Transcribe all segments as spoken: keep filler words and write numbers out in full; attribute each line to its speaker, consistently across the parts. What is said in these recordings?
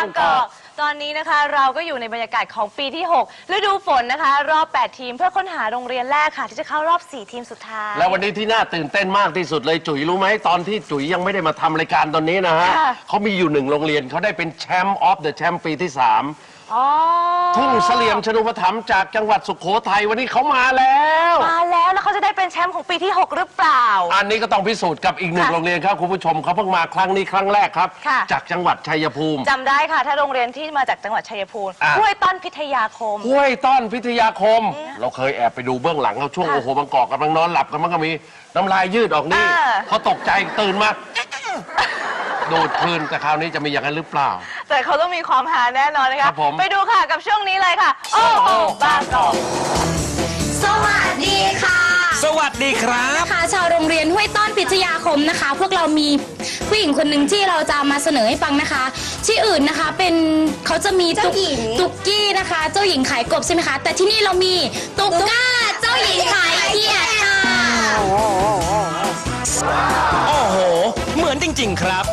Speaker 1: กอกตอนนี้นะคะเราก็อยู่ในบรรยากาศของปีที่หกฤดูฝนนะคะรอบแปดทีมเพื่อค้นหาโรงเรียนแรกค่ะที่จะเข้ารอบสี่ทีมสุดท้าย
Speaker 2: แล้ววันนี้ที่น่าตื่นเต้นมากที่สุดเลยจุ๋ยรู้ไหมตอนที่จุ๋ยยังไม่ได้มาทำรายการตอนนี้นะฮะเขามีอยู่หนึ่งโรงเรียนเขาได้เป็นแชมป์ออฟเดอะแชมป์ปีที่สามทุ่งเสลี่ยมชนุปถัมภ์จากจังหวัดสุโขทัยวันนี้เขามาแล้ว
Speaker 1: มาแล้วแล้วเขาจะได้เป็นแชมป์ของปีที่หกหรือเปล่า
Speaker 2: อันนี้ก็ต้องพิสูจน์กับอีกหนึ่งโรงเรียนครับคุณผู้ชมเขาเพิ่งมาครั้งนี้ครั้งแรกครับจากจังหวัดชัยภูมิ
Speaker 1: จำได้ค่ะถ้าโรงเรียนที่มาจากจังหวัดชัยภูมิห้วยต้อนพิทยาคม
Speaker 2: ห้วยต้อนพิทยาคมเราเคยแอบไปดูเบื้องหลังเขาช่วงโอ้โหบางกอกกำลังนอนหลับกันมันก็มีน้ำลายยืดออกนี่เขาตกใจตื่นมาดูดคืนแต่คราวนี้จะมีอย่างนั้นหรือเปล่า
Speaker 1: แต่เขาต้องมีความหาแน่นอนนะคะไปดูค่ะกับช่วงนี้เลยค่ะโอ้โหบางกอก
Speaker 3: สวัสดีค่ะ
Speaker 4: สวัสดีครับ
Speaker 3: ค่ะชาวโรงเรียนห้วยต้อนพิทยาคมนะคะพวกเรามีผู้หญิงคนหนึ่งที่เราจะมาเสนอให้ฟังนะคะที่อื่นนะคะเป็นเขาจะมีตุ๊กตุ๊กกี้นะคะเจ้าหญิงขายกบใช่ไหมคะแต่ที่นี่เรามีตุ๊กก้าเจ้าหญิงขายเขียดค่ะ
Speaker 4: โอ้โหเหมือนจริงๆครับ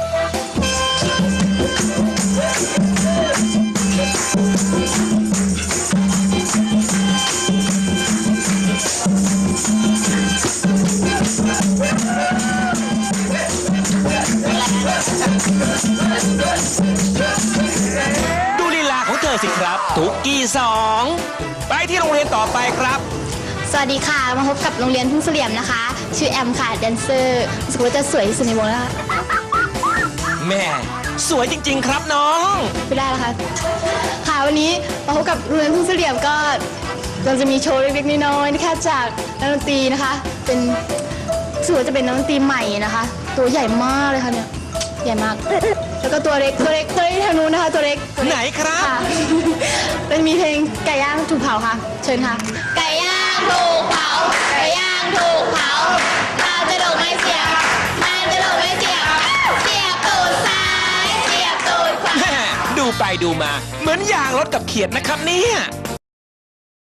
Speaker 4: ดูลีลาของเธอสิครับตุ๊กกี้สองไปที่โรงเรียนต่อไปครับ
Speaker 3: สวัสดีค่ะมาพบกับโรงเรียนทุ่งเสลี่ยมนะคะชื่อแอมค่ะแดนเซอร์รู้สึกว่าจะสวยที่สุดในวงแล้ว
Speaker 4: แม่สวยจริงๆครับน้อง
Speaker 3: ไม่ได้แล้วค่ะค่ะวันนี้มาพบกับโรงเรียนทุ่งเสลี่ยมก็เราจะมีโชว์เล็กๆน้อยๆนะคะจากนักดนตรีนะคะเป็นรู้สึกว่าจะเป็นนักดนตรีใหม่นะคะตัวใหญ่มากเลยค่ะเนี่ยใหญ่มากแล้วก็ตัวเล็กตัวเล็กตัวเล็กทางนู้นนะคะตัวเล็ก
Speaker 4: ไหนครับ
Speaker 3: ค่ะเป็นมีเพลงไก่ย่างถูกเผาค่ะเชิญค่ะไก่ย่างถูกเผาไก่ย่างถูกเผาเราจะโดนไม่เสียบมันจะโดนไม่เสียบเสียบตูดซ้ายเสียบตูดขวา
Speaker 4: ดูไปดูมาเหมือนยางรถกับเขียดนะครับเนี่ย